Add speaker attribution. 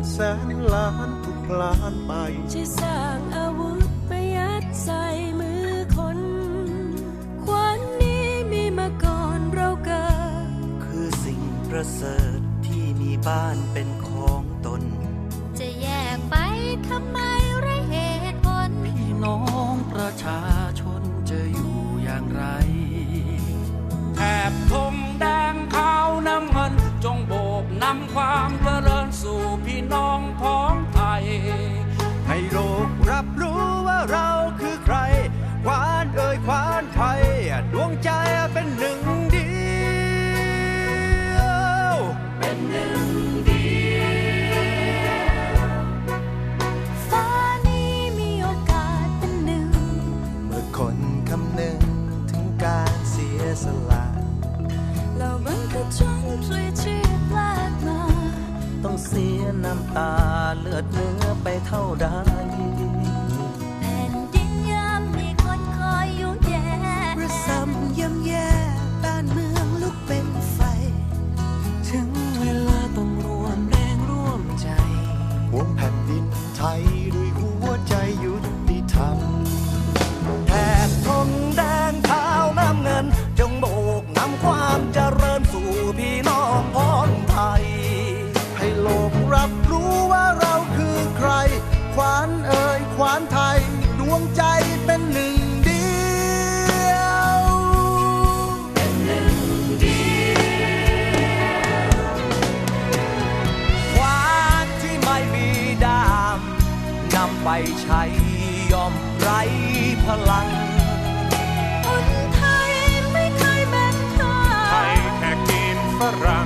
Speaker 1: แสนล้านทุกล้านไป
Speaker 2: ที่สร้างอาวุธประยัดใส่มือคนขวานนี้มีมาก่อนเราเกิด
Speaker 3: คือสิ่งประเสริฐที่มีบ้านเป็นของตน
Speaker 2: จะแยกไปทำไมไรเหตุผล
Speaker 3: พี่น้องประชาชนจะอยู่อย่างไร
Speaker 4: แถบธงแดงขาวน้ำเงินจงโบกนำความเจริญสู่พี่น้องพ้องไทย
Speaker 1: ให้โลกรับรู้ว่าเราคือใครควานเอ่ยควานไทยดวงใจเป็นหนึ่งเดียว
Speaker 2: เป็นหนึ่งเดียวฟ้านี้มีโอกาสเป็นหนึ่ง
Speaker 1: เมื่อคนคำนึงถึงการเสียสละ
Speaker 2: เราบังคับจนพลีชีพแลกมา
Speaker 3: ต้องเสียน้ำตาเลือดเนื้อไปเท่าใด
Speaker 2: แผ่นดินยามมีคนคอยยุ่งแย่
Speaker 3: ระสำย่ำแย่บ้านเมืองลุกเป็นไฟถึงเวลาต้องรวมแรงร่วมใจ
Speaker 1: หวงแผ่นดินไทยด้วยหัวใจยุติธรรม
Speaker 3: แถบธงแดงขาวน้ำเงินจงโบกนำความเจริญสู่พี่น้องพ้องไทย
Speaker 1: ให้โลกรับรู้ว่าเราคือใครควานเอ่ยควานไทยดวงใจเป็นหนึ่งเดียว
Speaker 2: เป็นหนึ่งเดียว
Speaker 3: ควานที่ไม่มีดามนำไปใช้ย่อมไร้พลัง
Speaker 2: คนไทยไม่เคยแบ่งทาง
Speaker 4: ไทยแขกจีนฝรั่ง